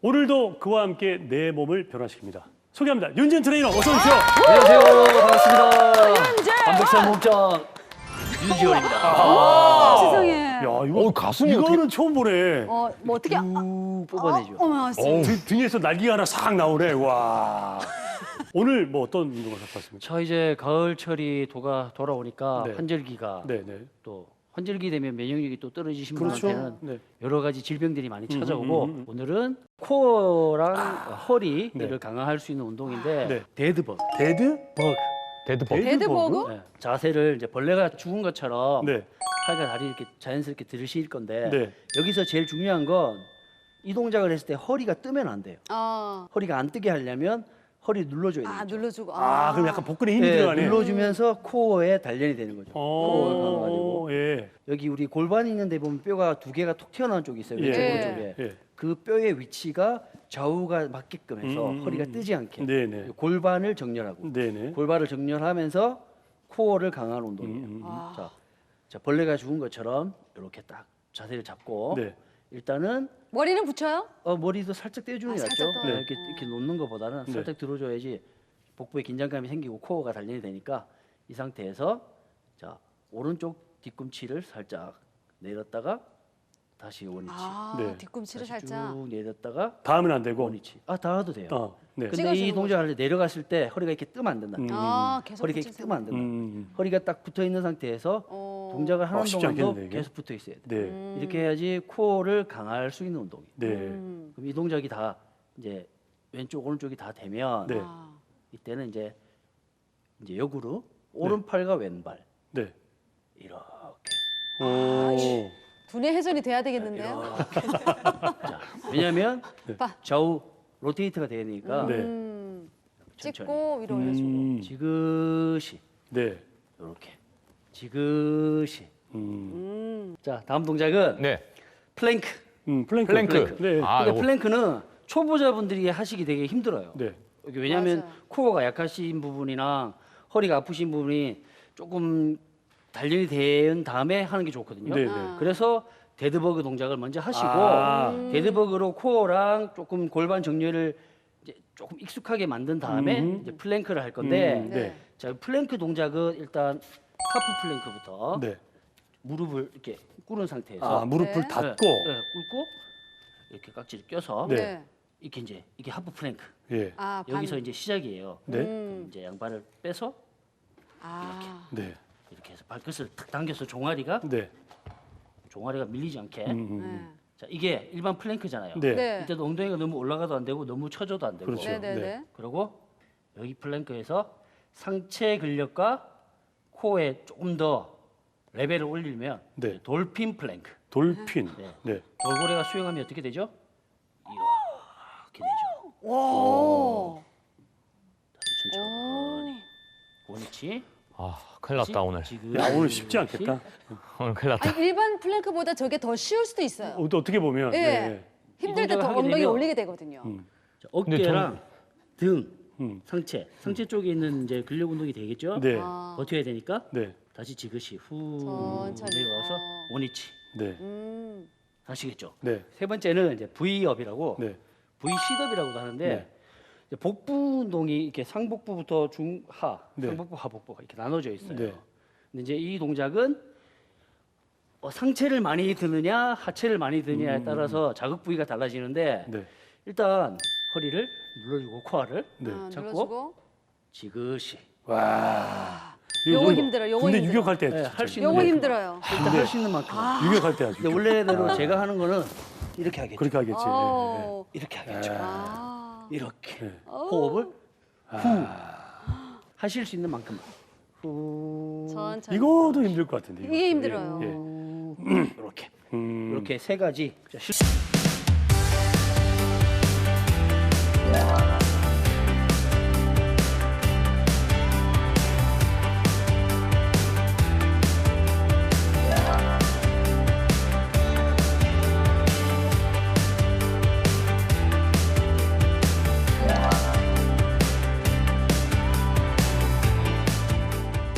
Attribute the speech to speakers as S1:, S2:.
S1: 오늘도 그와 함께 내 몸을 변화시킵니다. 소개합니다. 윤지은 트레이너 어서 오십시오.
S2: 안녕하세요. 반갑습니다.
S3: 윤재!
S2: 완벽한 몸짱 윤지원입니다.
S3: 세상에.
S1: 야, 이거
S4: 가슴이
S1: 이거는 처음 보네.
S3: 뭐 어떻게
S2: 쭉 뽑아내죠.
S3: 어머,
S1: 등에서 날개가 하나 싹 나오네. 와. 오늘 뭐 어떤 운동을 갖고 왔습니까?
S2: 자, 이제 가을철이 돌아오니까
S1: 네.
S2: 환절기가
S1: 네, 네.
S2: 또 환절기 되면 면역력이 또 떨어지신
S1: 그렇죠. 네.
S2: 분한테는 여러 가지 질병들이 많이 찾아오고 오늘은 코어랑 허리를 강화할 수 있는 운동인데
S1: 네.
S2: 데드버그.
S1: 데드버그.
S4: 데드버그.
S3: 데드버그?
S2: 네. 자세를 이제 벌레가 죽은 것처럼
S1: 네.
S2: 팔과 다리 이렇게 자연스럽게 들으실 건데
S1: 네.
S2: 여기서 제일 중요한 건 이 동작을 했을 때 허리가 뜨면 안 돼요.
S3: 아,
S2: 허리가 안 뜨게 하려면 허리 눌러줘야 돼요.
S3: 눌러주고.
S1: 아, 그럼 약간 복근에 힘이
S2: 네,
S1: 들어가네.
S2: 눌러주면서 코어에 단련이 되는 거죠. 코어가 강화되고
S1: 예.
S2: 여기 우리 골반이 있는데 보면 뼈가 두 개가 톡 튀어나온 쪽이 있어요. 왼쪽
S1: 예.
S2: 오른쪽에.
S1: 예.
S2: 그 뼈의 위치가 좌우가 맞게끔 해서 허리가 뜨지 않게
S1: 네네.
S2: 골반을 정렬하고
S1: 네네.
S2: 골반을 정렬하면서 코어를 강화하는 운동이에요. 자, 벌레가 죽은 것처럼 이렇게 딱 자세를 잡고
S1: 네.
S2: 일단은
S3: 머리는 붙여요?
S2: 머리도 살짝 떼주는 게 낫죠.
S3: 살짝 더.
S2: 네, 이렇게 놓는 것보다는
S1: 네.
S2: 살짝 들어줘야지 복부에 긴장감이 생기고 코어가 단련이 되니까 이 상태에서 자 오른쪽 뒤꿈치를 살짝 내렸다가 다시 원위치.
S1: 네.
S3: 뒤꿈치를
S2: 다시
S3: 살짝.
S2: 쭉 내렸다가
S1: 닿으면 안 되고.
S2: 원위치. 닿아도 돼요.
S1: 네.
S2: 근데
S3: 찍어주는
S2: 이 동작을 할 때 내려갔을 때 허리가 이렇게 뜨면 안 된다.
S3: 계속
S2: 허리가 이렇게
S3: 붙이세요.
S2: 뜨면 안 된다. 허리가 딱 붙어 있는 상태에서 동작을 하는
S1: 쉽지
S2: 동안도
S1: 않겠는데, 이게?
S2: 계속 붙어 있어야 돼.
S1: 네.
S2: 이렇게 해야지 코어를 강화할 수 있는 운동이에요.
S1: 네.
S2: 그럼 이 동작이 다 이제 왼쪽 오른쪽이 다 되면
S1: 네.
S2: 이때는 이제 역으로 오른팔과 왼발
S1: 네.
S2: 이렇게
S1: 오.
S3: 두뇌 회전이 돼야 되겠는데요?
S2: 자, 왜냐하면
S3: 빠.
S2: 좌우 로테이트가 되니까
S1: 네.
S2: 천천히.
S3: 찍고 위로 올려주고.
S2: 지그시
S1: 네.
S2: 이렇게 지그시. 자, 다음 동작은
S4: 네.
S2: 플랭크.
S4: 플랭크.
S1: 네.
S4: 아,
S2: 근데
S4: 요거.
S2: 플랭크는 초보자분들이 하시기 되게 힘들어요.
S1: 네.
S2: 이게 왜냐하면
S3: 맞아요.
S2: 코어가 약하신 부분이나 허리가 아프신 부분이 조금 단련이 된 다음에 하는 게 좋거든요.
S1: 네, 네.
S2: 그래서 데드버그 동작을 먼저 하시고 데드버그로 코어랑 조금 골반 정렬을 이제 조금 익숙하게 만든 다음에 이제 플랭크를 할 건데
S1: 네.
S2: 자, 플랭크 동작은 일단 하프 플랭크부터
S1: 네.
S2: 무릎을 이렇게 꿇은 상태에서
S1: 아, 무릎을
S3: 네.
S1: 닫고.
S2: 꿇고 이렇게 깍지를 껴서
S1: 네.
S2: 이게 하프 플랭크.
S1: 예.
S2: 여기서 이제 시작이에요.
S1: 네.
S2: 그럼 이제 양발을 빼서
S1: 네.
S2: 이렇게 해서 발끝을 탁 당겨서 종아리가
S1: 네.
S2: 밀리지 않게.
S3: 네.
S2: 자, 이게 일반 플랭크잖아요.
S1: 네.
S3: 네.
S2: 이때도 엉덩이가 너무 올라가도 안 되고 너무 쳐져도 안 되고.
S1: 그렇죠.
S3: 네네네.
S1: 네.
S2: 그리고 여기 플랭크에서 상체 근력과 코어에 조금 더 레벨을 올리면
S1: 네.
S2: 돌핀 플랭크.
S1: 돌핀. 네.
S2: 돌고래가 수영하면 어떻게 되죠? 이렇게 되죠.
S3: 오.
S2: 다시 천천히. 원위치.
S4: 아, 큰일 났다 오늘.
S2: 지금
S1: 야, 오늘 쉽지 않겠다.
S4: 오늘 큰일 났다.
S3: 아니, 일반 플랭크보다 저게 더 쉬울 수도 있어요.
S1: 또 어떻게 보면.
S3: 예.
S1: 네.
S3: 힘들 때 더
S2: 동작을 하게
S3: 엉덩이
S2: 되면
S3: 올리게 되거든요.
S2: 자, 어깨랑 등, 상체 쪽에 있는 이제 근력 운동이 되겠죠?
S1: 네.
S2: 버텨야 되니까
S1: 네.
S2: 다시 지그시 후
S3: 천천히.
S2: 내려와서 원위치.
S1: 네.
S2: 아시겠죠?
S1: 네.
S2: 세 번째는 이제 V업이라고
S1: 네.
S2: V 시업이라고도 하는데
S1: 네.
S2: 이제 복부 운동이 이렇게 상복부부터 중하,
S1: 네.
S2: 상복부, 하복부가 이렇게 나눠져 있어요.
S1: 네.
S2: 근데 이제 이 동작은 상체를 많이 드느냐 하체를 많이 드느냐에 따라서 자극 부위가 달라지는데
S1: 네.
S2: 일단 허리를 눌러주고 코어를
S1: 네.
S2: 잡고
S3: 눌러주고.
S2: 지그시
S1: 와.
S3: 요거 힘들어, 요거
S1: 근데
S3: 힘들어.
S1: 유격할 때
S2: 네,
S1: 진짜
S2: 할 수 있는
S3: 요거
S2: 만큼.
S3: 힘들어요.
S2: 일단 할 수 있는 만큼.
S1: 유격할 때 아주.
S2: 근데 원래대로 제가 하는 거는 이렇게 하겠죠.
S1: 그렇게 하겠지. 네.
S3: 어.
S2: 이렇게 하겠죠. 이렇게
S1: 네.
S2: 호흡을 후 하실 수 있는 만큼 후
S3: 천천히.
S1: 이거도 힘들 것 같은데.
S3: 이게 힘들어요.
S1: 예.
S2: 이렇게
S1: 음.
S2: 이렇게 세 가지. 자,